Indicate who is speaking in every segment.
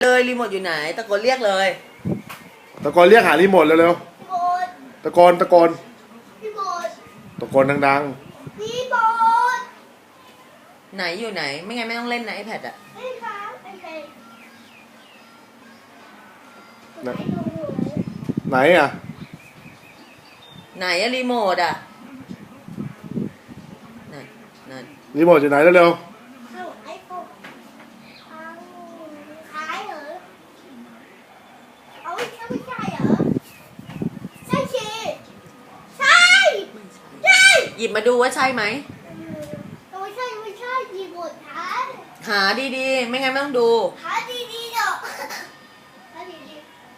Speaker 1: เลยรีโมทอยู่ไหนตะโกนเรียกเลย
Speaker 2: ตะโกนเรียกหารีโมทเร็วๆตะโกน
Speaker 1: รีโมท
Speaker 2: ตะโกนดัง
Speaker 1: รีโมทไหนอยู่ไหนไม่งั้นไม่ต้องเล่นนะไอแพดอะ
Speaker 2: ไหนอ่ะ
Speaker 1: ไหนอะรีโมทอะนั่น
Speaker 2: รีโมทอยู่ไหนเร็ว
Speaker 1: หยิบมาดูว่าใช่ไหม
Speaker 3: ไม่ใช่รีโมท
Speaker 1: หาดีๆไม่งั้นไม่ต้องดู
Speaker 3: หาดีๆเนาะหาดี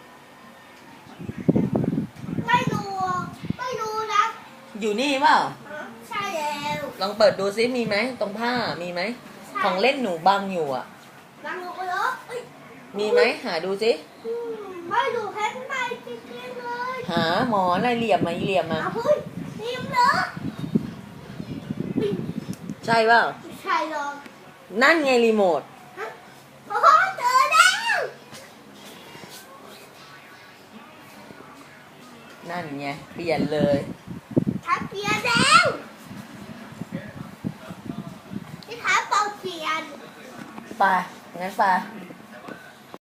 Speaker 3: ๆไม่ดูนะ
Speaker 1: อยู่นี่เปล่า
Speaker 3: ใช่แล้ว
Speaker 1: ลองเปิดดูซิมีไหมตรงผ้ามีไหมของเล่นหนูบังอยู่อ่ะ
Speaker 3: บังลงไปแล้ว
Speaker 1: มีไหมหาดูซิ
Speaker 3: ไม่ดูแค่ไม่จริงๆเลย
Speaker 1: หาหมอนอะไรเหลี่ยมมาเหลี่ยมมา
Speaker 3: เฮ้ยเรียมเลย
Speaker 1: ใช่เปล่า
Speaker 3: ใช่หรอก
Speaker 1: นั่นไงรีโมท
Speaker 3: โอ้โหเจอแล้ว
Speaker 1: นั่นไงเปลี่ยนเลย
Speaker 3: ทับเปลี่ยนแล้วที่ขาเป่าเปลี่ยน
Speaker 1: ไปงั้นไป